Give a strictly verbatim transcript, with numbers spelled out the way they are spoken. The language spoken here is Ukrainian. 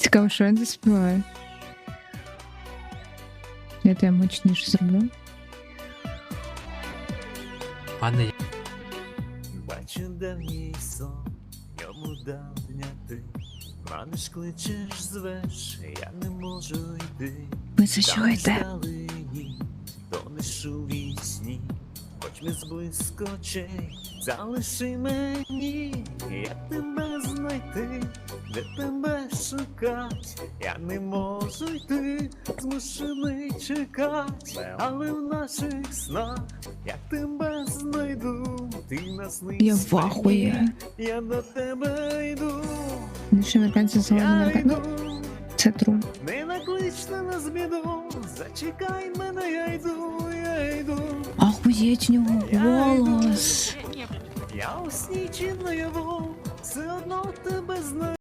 Цікаво, що він заспіває. Я тебе мощніше зроблю. Пане, Бачу давній сон, йому давня ти. Маниш, кличеш, звеш, я не можу йти. Ви це чуєте? Вдалині, тонеш у вісні, хоч ми зблизько очей, залиши мені, як тебе знайти, де тебе шукать, я не можу йти, змушений чекать, але в наших снах, як тебе знайду, ти наснись Я в ахуї. мені, я до тебе йду, Більше американці згодом я американці. йду. Це тру. Не накличте на збіду, зачекай мене, я йду, я йду. Ахуєть в нього голос. Я у сні чи наяву, все одно тебе знаю.